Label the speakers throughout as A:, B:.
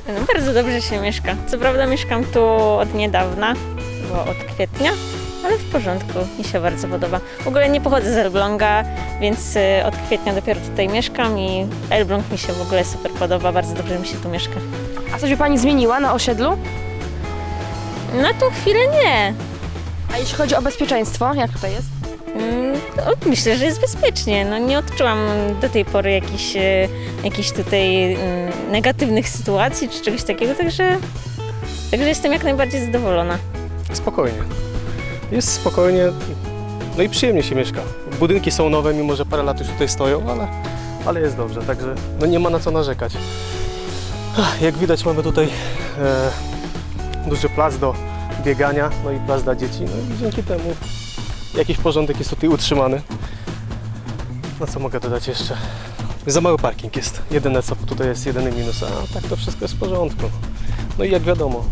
A: No, bardzo dobrze się mieszka. Co prawda mieszkam tu od niedawna, bo od kwietnia, ale w porządku, mi się bardzo podoba. W ogóle nie pochodzę z Elbląga, więc od kwietnia dopiero tutaj mieszkam i Elbląg mi się w ogóle super podoba, bardzo dobrze mi się tu mieszka.
B: A coś by pani zmieniła na osiedlu?
A: Na tą chwilę nie.
B: A jeśli chodzi o bezpieczeństwo, jak tutaj jest?
A: Myślę, że jest bezpiecznie. No, nie odczułam do tej pory jakichś tutaj negatywnych sytuacji czy czegoś takiego, także jestem jak najbardziej zadowolona.
C: Spokojnie. Jest spokojnie, no i przyjemnie się mieszka. Budynki są nowe, mimo że parę lat już tutaj stoją, ale jest dobrze, także no nie ma na co narzekać. Jak widać, mamy tutaj duży plac do biegania, no i plac dla dzieci, no i dzięki temu jakiś porządek jest tutaj utrzymany. No co mogę dodać jeszcze? Za mały parking jest. Jedyne co tutaj jest, jedyny minus, a tak to wszystko jest w porządku. No i jak wiadomo,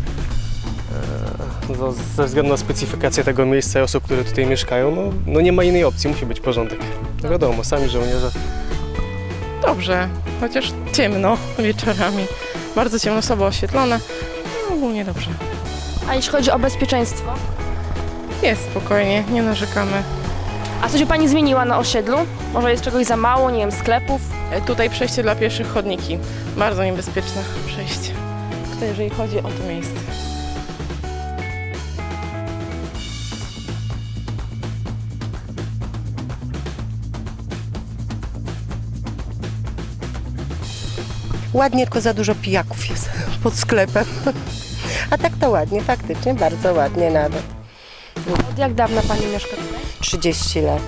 C: no, ze względu na specyfikację tego miejsca i osób, które tutaj mieszkają, no nie ma innej opcji, musi być porządek. No wiadomo, sami żołnierze.
D: Dobrze, chociaż ciemno wieczorami. Bardzo ciemno, słabo oświetlone. No, ogólnie dobrze.
B: A jeśli chodzi o bezpieczeństwo?
D: Jest spokojnie, nie narzekamy.
B: A coś by pani zmieniła na osiedlu? Może jest czegoś za mało, nie wiem, sklepów?
D: Tutaj przejście dla pieszych, chodniki. Bardzo niebezpieczne przejście. Tutaj jeżeli chodzi o to miejsce.
E: Ładnie, tylko za dużo pijaków jest pod sklepem. A tak to ładnie, faktycznie bardzo ładnie nawet.
B: Od jak dawna pani mieszka tutaj?
E: 30 lat.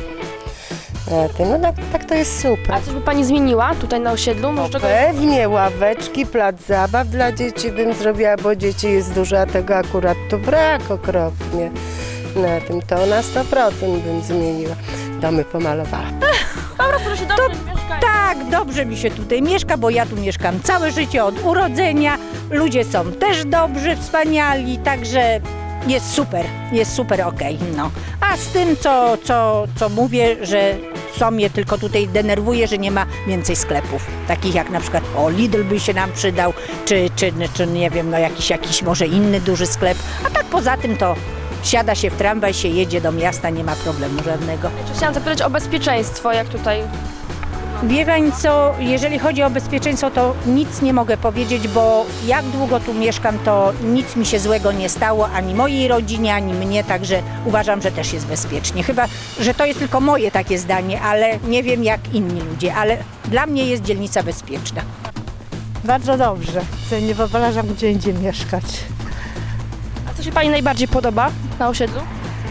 E: No tak to jest super.
B: A coś by pani zmieniła tutaj na osiedlu? Może czegoś...
E: Pewnie ławeczki, plac zabaw dla dzieci bym zrobiła, bo dzieci jest dużo, a tego akurat tu brak okropnie. Na tym to na 100% bym zmieniła. Domy pomalowała.
B: Po prostu, że się dobrze mieszka.
F: Tak, dobrze mi się tutaj mieszka, bo ja tu mieszkam całe życie od urodzenia. Ludzie są też dobrzy, wspaniali, także jest super okej, no. A z tym, co mówię, że co mnie tylko tutaj denerwuje, że nie ma więcej sklepów. Takich jak na przykład, Lidl by się nam przydał, czy nie wiem, no jakiś może inny duży sklep. A tak poza tym to siada się w tramwaj, się jedzie do miasta, nie ma problemu żadnego.
B: Chciałam zapytać o bezpieczeństwo, jak tutaj...
F: Wie pani co, jeżeli chodzi o bezpieczeństwo, to nic nie mogę powiedzieć, bo jak długo tu mieszkam, to nic mi się złego nie stało, ani mojej rodzinie, ani mnie, także uważam, że też jest bezpiecznie. Chyba, że to jest tylko moje takie zdanie, ale nie wiem jak inni ludzie, ale dla mnie jest dzielnica bezpieczna.
G: Bardzo dobrze. Nie wyobrażam gdzie indziej mieszkać.
B: A co się pani najbardziej podoba na osiedlu?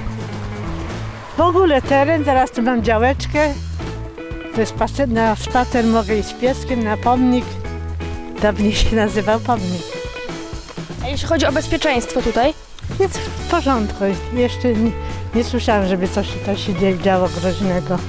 G: W ogóle teren, zaraz tu mam działeczkę. Na spacer mogę iść z pieskiem, na pomnik. Dawniej się nazywał pomnik.
B: A jeśli chodzi o bezpieczeństwo tutaj?
G: Jest w porządku. Jeszcze nie słyszałam, żeby coś się działo groźnego.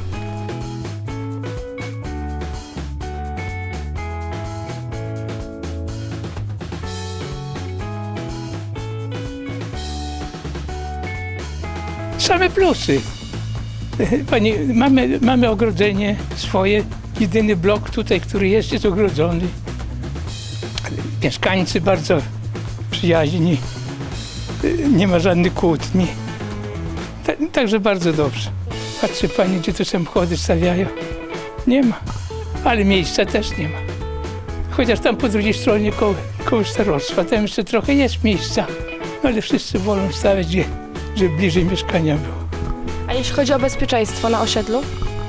H: Same plusy. Pani, mamy ogrodzenie swoje, jedyny blok tutaj, który jest ogrodzony. Mieszkańcy bardzo przyjaźni, nie ma żadnych kłótni. Także bardzo dobrze. Patrzy pani, gdzie te samochody stawiają. Nie ma, ale miejsca też nie ma. Chociaż tam po drugiej stronie koło starostwa, tam jeszcze trochę jest miejsca, no ale wszyscy wolą stawiać, żeby bliżej mieszkania było.
B: A jeśli chodzi o bezpieczeństwo na osiedlu?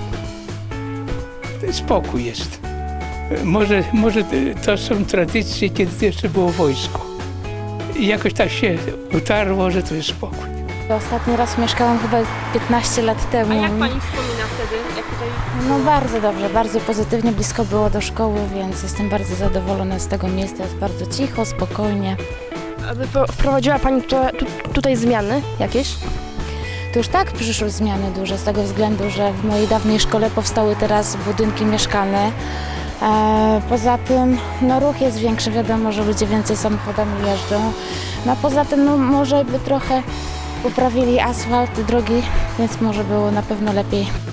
H: Spokój jest. Może to są tradycje, kiedy jeszcze było wojsko. I jakoś tak się utarło, że to jest spokój.
I: Ostatni raz mieszkałam chyba 15 lat temu.
B: A jak pani wspomina wtedy? Jak tutaj...
I: No bardzo dobrze, bardzo pozytywnie, blisko było do szkoły, więc jestem bardzo zadowolona z tego miejsca. Jest bardzo cicho, spokojnie.
B: Aby wprowadziła pani tutaj zmiany jakieś?
I: To już tak przyszły zmiany duże z tego względu, że w mojej dawnej szkole powstały teraz budynki mieszkalne. Poza tym no, ruch jest większy, wiadomo, że ludzie więcej samochodami jeżdżą. No, poza tym no, może by trochę poprawili asfalt, drogi, więc może było na pewno lepiej.